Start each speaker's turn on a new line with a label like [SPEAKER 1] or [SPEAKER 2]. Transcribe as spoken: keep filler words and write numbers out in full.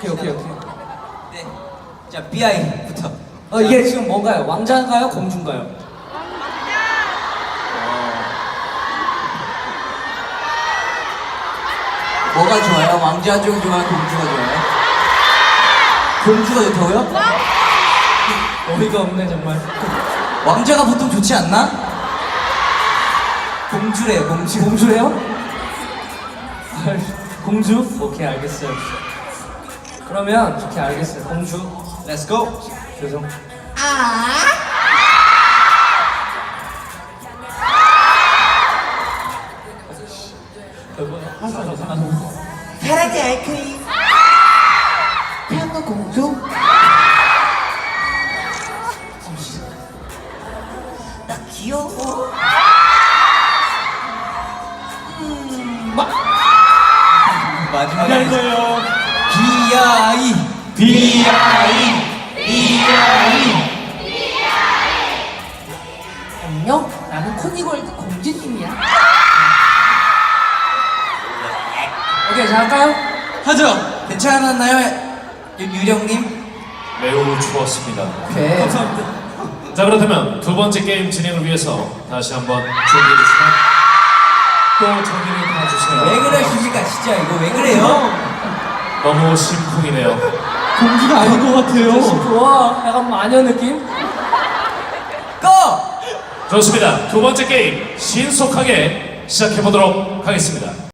[SPEAKER 1] 오케이 오케이 오케이.
[SPEAKER 2] 네. 자, 비아이부터.
[SPEAKER 1] 어 이게 지금 뭔가요? 왕자인가요? 공주인가요?
[SPEAKER 2] 뭐가 좋아요? 왕자 쪽 좋아요? 공주가 좋아요? 공주가 좋다고요?
[SPEAKER 1] 어이가 없네 정말.
[SPEAKER 2] 왕자가 보통 좋지 않나? 공주래요, 공주.
[SPEAKER 1] 공주래요? 공주? 오케이 알겠어요. 그러면 오케이 알겠어요. 공주.
[SPEAKER 2] Let's go.
[SPEAKER 1] 죄송.
[SPEAKER 2] 사랑의 아이크림. 태양과 공주. 나 귀여워. 음. 마지막에
[SPEAKER 1] 안녕하세요.
[SPEAKER 2] 비아이. 비아이. 비아이.
[SPEAKER 1] 안녕. 나는 코니골드 공주님이야. 오케이 자 할까요?
[SPEAKER 2] 하죠. 괜찮았나요, 유, 유령님?
[SPEAKER 3] 매우 좋았습니다.
[SPEAKER 1] 오케이.
[SPEAKER 2] 감사합니다.
[SPEAKER 3] 자, 그렇다면 두 번째 게임 진행을 위해서 다시 한번 준비해 주시면 또 정리를 해주세요.
[SPEAKER 2] 왜 그러십니까, 진짜 이거 왜 그래요?
[SPEAKER 3] 너무 심쿵이네요.
[SPEAKER 1] 공주가 아닌 것 같아요. 좋아. 약간 마녀 느낌?
[SPEAKER 2] 꺼!
[SPEAKER 3] 좋습니다. 두 번째 게임 신속하게 시작해 보도록 하겠습니다.